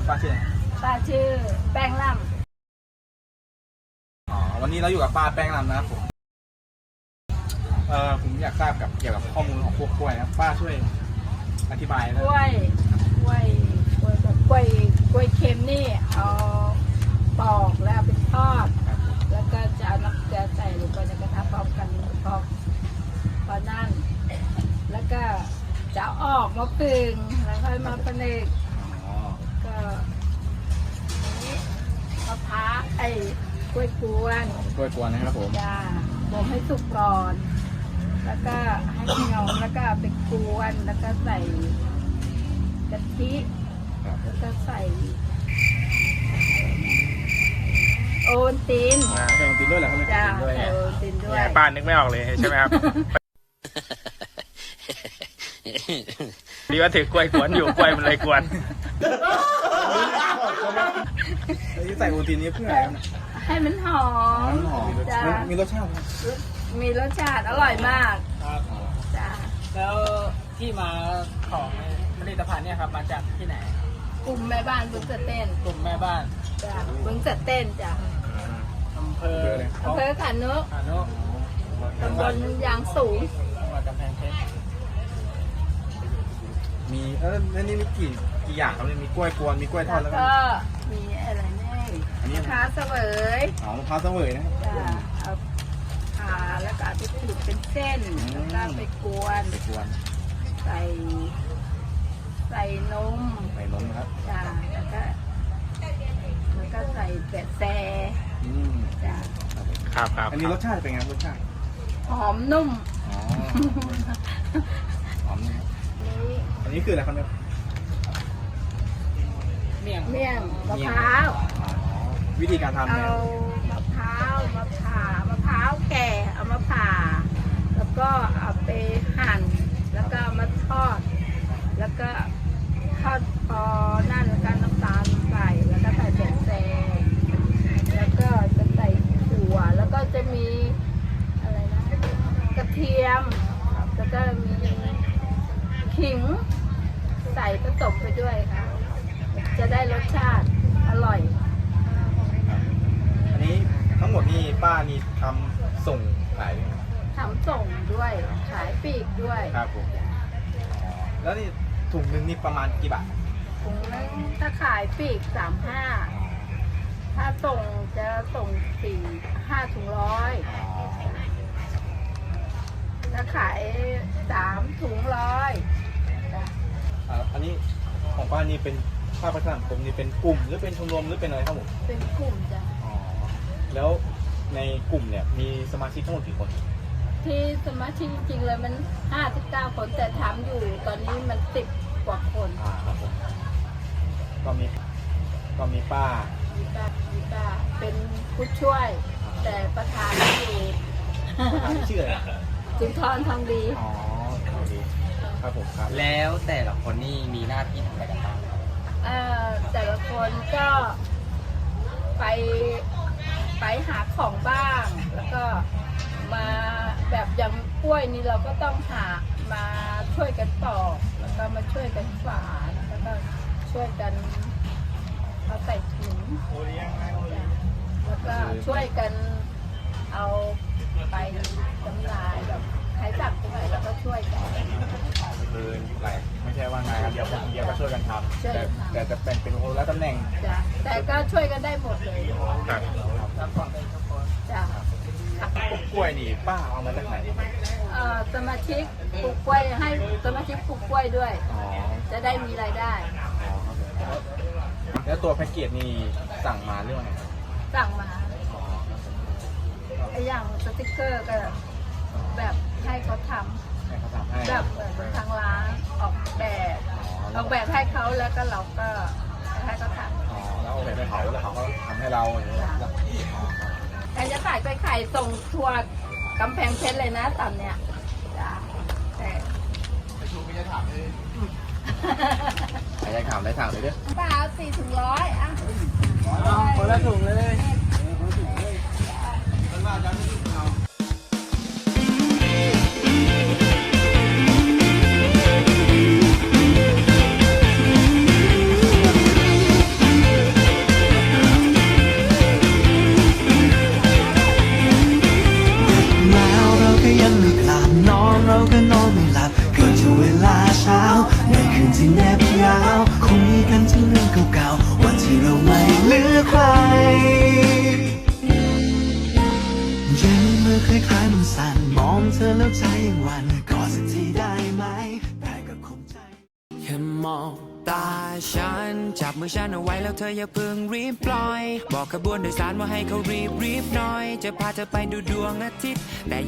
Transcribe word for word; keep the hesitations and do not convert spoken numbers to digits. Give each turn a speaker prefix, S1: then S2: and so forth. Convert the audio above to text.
S1: ป้าชื่ออะไร
S2: ป้าชื่อแป้งล่
S1: ำอ๋อวันนี้เราอยู่กับป้าแป้งล่ำนะครับผมเอ่อผมอยากทราบกับเกี่ยวกับข้อมูลของพวกกล้วยนะป้าช่วยอธิบายนะ
S2: กล้วยกล้วยกล้วยแบบกล้วยกล้วยเค็มนี่เอาปอกแล้วไปทอดแล้วก็จะเอาน้ำเกลือใส่ลงไปในกระทะพร้อมกันพอพอนั่นแล้วก็จะเอาออกมาปึงแล้วค่อยมาผนึกก็นี้มะพร้าวไอ้กล้วยกวน
S1: กล้วยกวนนะครับผม
S2: จ้าบ่มให้สุกก่อนแล้วก็ให้เหนียวแล้วก็ไปกวนแล้วก็ใส่กะทิแล้วก็ใส่โอนติน
S1: ใส่โอนตินด้วยเหรอครับ
S2: จ้าใส่โอนตินด้วย
S3: ป้านึกไม่ออกเลยใช่ไหมครับดีว่าถือกล้วยกวนอยู่กล้วยมันเลยกวน
S1: ใส่โอนตินนี้เพื่ออะไรครับ
S2: ให้มันหอม
S1: หอม
S2: จ้า
S1: มีรสชาติ
S2: มีรสชาติอร่อยมากจ้า
S4: แล้วที่มาของผลิตภัณฑ์เนี่ยครับมาจากที่ไหน
S2: กลุ่มแม่บ้านบึงเสเต้น
S4: กลุ่มแม่บ้าน
S2: จ้าบึงเสเต้นจ้า
S4: อำเภอ
S2: อำเภอขานุ
S4: ขานุ
S2: ตำบลยางสูง
S4: จังหวัดกำแพงเพชร
S1: มีเออแล้วนี่มีกี่กี่อย่างครับมีกล้วยกวนมีกล้วยทอดแล้ว
S2: ก็มีอะไรแน่มะพร้าวเสวย
S1: อ๋อมะพร้าวเสวยนะ
S2: จ้าเอาผ่าแล้วก็ไปขีดเป็นเส้นแล้วก็ไปกวน
S1: ไปกวน
S2: ใส่ใส่นม
S1: ใส่นมครับ
S2: จ้าแล้วก็แล้วก็ใส่แปะแซ่จ้า
S3: ครับครับ
S1: อันนี้รสชาติเป็นไงรสชาติ
S2: หอมนุ่ม
S1: อ๋อหอมนุ่มอันนี้คืออะไรครับเนี่ย
S4: เมี่ยง
S2: เมี่ยงมะพร้าว
S1: วิธีการทำเนี่ย
S2: เอามะพร้าวมะผ่ามะพร้าวแก่เอามาผ่าแล้วก็เอาไปหั่นแล้วก็มาทอดแล้วก็ทอดพอนั่นแล้วก็น้ำตาลใส่แล้วก็ใส่แป้งแซงแล้วก็จะใส่ถั่วแล้วก็จะมีอะไรนะกระเทียมแล้วก็มีขิงใส่ผสมไปด้วยค่ะจะได้รสชาติอร่อย
S1: อันนี้ทั้งหมดนี่ป้านี่ทำส่งขาย
S2: ทำส่งด้วยขายปลีกด้วย
S1: ครับผมแล้วนี่ถุงหนึ่งนี่ประมาณกี่บาท
S2: ถุงนึงถ้าขายปลีกสามห้าถ้าส่งจะส่งสี่ห้าถุงร้อยถ้าขายสามถุงร้อย
S1: อันนี้ของป้านี่เป็นภาคประชาสังคมนี่เป็นกลุ่มหรือเป็นชมรมหรือเป็นอะไรครับผม
S2: เป็นกลุ่มจ้ะ
S1: อ๋อแล้วในกลุ่มเนี่ยมีสมาชิกทั้งหมดกี่คน
S2: ที่สมาชิกจริงๆเลยมันห้าสิบเก้าคนแต่ทำอยู่ตอนนี้มันสิบกว่าคน
S1: อ่าครับผมก็มีก็มีป้า
S2: มีป้ามีป้าเป็นผู้ช่วยแต่ประธานอยู่
S1: ประธานชื่ออะไร
S2: จุนทรทองดี
S1: อ๋อทองดีครับผมครับ
S4: แล้วแต่ละคนนี่มีหน้าที่ทำอะไรกันบ้าง
S2: เอ่อแต่ละคนก็ไปไปหาของบ้างแล้วก็มาแบบอย่างกล้วยนี่เราก็ต้องหามาช่วยกันปอกแล้วก็มาช่วยกันฝานแล้วก็ช่วยกันเอาใส่ถุงแล้วก็ช่วยกันเอาไปจำหน่ายแบบใครสั่งตรงไหนเราก็ช่วยกัน
S1: คืออะไรไม่ใช่ว่างานเดียวคนเดียวก็ช่วยกันทำแต่แต่จะแบ่งเป็นคนละตำแหน่ง
S2: แต่ก็ช่วยกันได้หมดเลย
S1: ครับ
S2: จ้ะ
S1: ปลูกกล้วยนี่ป้าเอามาจากไหน
S2: เอ่อสมาชิกปลูกกล้วยให้สมาชิกปลูกกล้วยด้วยจะได้มีรายได้
S1: แล้วตัวแพ็กเกจนี่สั่งมาเรื่องอะไร
S2: สั่งมาไอ้อย่างสติกเกอร์ก็แบบให้เขาทำแบบเหมือนทางร้านออกแบบออกแบบให้เขาแล้วก็เราก็ให้เขาทำ
S1: อ๋อแล้วออกแบบให้เขาแล้วเขาก็ทำให้เราอย่างนี้
S2: ใครจะขายกล้วยไข่ส่งทัวร์กำแพงเพชรเลยนะตอนเนี้ยจ้าแต่
S1: ไปชูไม่ได้ถามเลยไม่ได้ถามได้ถามเลยเด้อ
S2: ป้าเอาสี่ถุงร้อยอ่ะ
S4: คนละถุงเลย
S5: สั่นมองเธอแล้วใจยังหวันกอดสักทีได้ไหมแต่ก็คงใจแค่มองตาฉันจับมือฉันเอาไว้แล้วเธออย่าเพิ่งรีบปล่อยบอกขบวนโดยสารว่าให้เขารีบรีบหน่อยจะพาเธอไปดูดวงอาทิตย์แต่